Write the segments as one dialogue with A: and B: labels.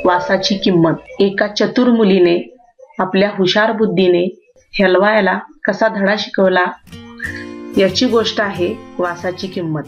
A: वासाची किंमत. एका चतुर मुलीने आपल्या हुशार बुद्धीने हलवायाला कसा धडा शिकवला याची गोष्ट आहे वासाची किंमत.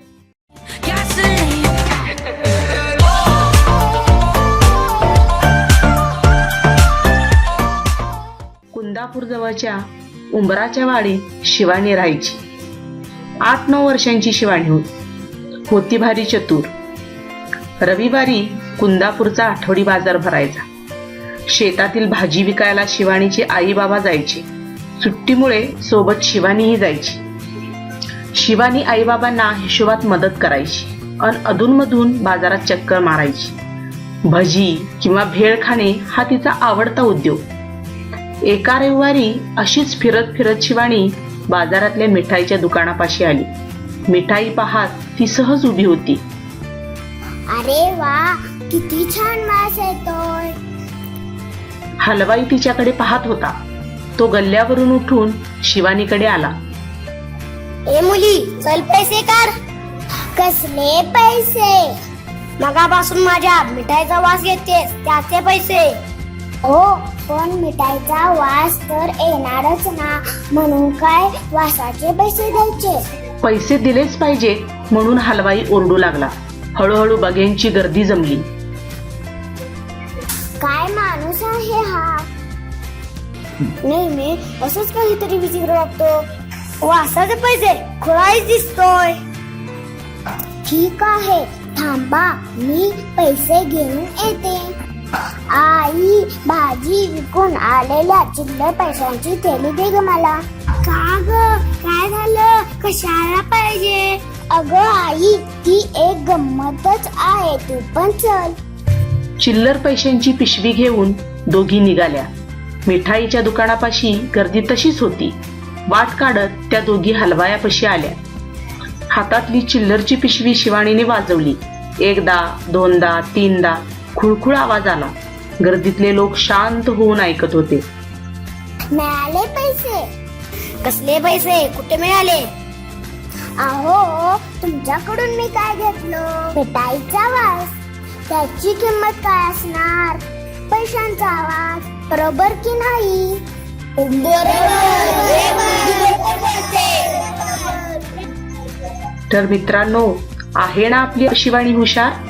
A: कुंदापूर जवळच्या उंबराच्या वाडीत शिवानी राहायची. 8-9 वर्षांची शिवानी होती भारी चतुर. रविवारी कुंदापूरचा आठवडी बाजार भरायचा. शेतातील भाजी विकायला शिवानीचे आई बाबा जायचे. सुट्टीमुळे सोबत शिवानीही जायची. शिवानी आई बाबांना हिशोबात मदत करायची आणि अधूनमधून बाजारात चक्कर मारायची. भजी किंवा भेळ खाणे हा तिचा आवडता उद्योग. एका रविवारी अशीच फिरत फिरत शिवानी बाजारातल्या मिठाईच्या दुकानापाशी आली. मिठाई पाहत ती सहज उभी होती.
B: अरे वा, किती छान वास येतोय.
A: हलवाई तिच्याकडे पाहत होता. तो गल्ल्यावरून उठून शिवानीकडे आला.
B: ए मुली, चल पैसे कर. कसले पैसे? मगापासून माझ्या मिठाईचा वास घेतेस, त्याचे पैसे. हो, पण मिठाईचा वास तर येणारच ना, म्हणून काय वासाचे पैसे द्यायचे?
A: पैसे दिलेच पाहिजे म्हणून हलवाई ओरडू लागला. हळूहळू बघ्यांची गर्दी जमली.
B: काय माणूस आहे हा? नेहमी असंच काहीतरी विचित्र वागतो. वासाचे पैसे खुळाच दिसतोय. ठीक आहे, थांबा, मी पैसे घेऊन येते. आई, भाजी विकून आलेल्या चिल्लर पैशांची थैली दे ग मला. का ग, काय झालं? कशाला पाहिजे? अगं आई, ती एक गंमतच आहे, तू पण चल.
A: चिल्लर पैशांची पिशवी घेऊन दोघी निघाल्या. मिठाईच्या दुकानापाशी गर्दी तशीच होती. वाट काढत त्या दोघी हलवायापाशी आल्या. हातातली चिल्लरची पिशवी शिवानीने वाजवली. 1दा 2दा 3दा खुळखुळ आवाज आला. गर्दीतले लोक शांत होऊन ऐकत होते.
B: मिळाले पैसे? कसले पैसे? कुठे मिळाले? अहो, तुमच्याकडून मी काय घेतलं? मिठाईचा वास. त्याची किंमत काय असणार? पैशांचा आवाज. बरोबर की नाही?
A: तर मित्रांनो, आहे ना आपली शिवानी हुशार?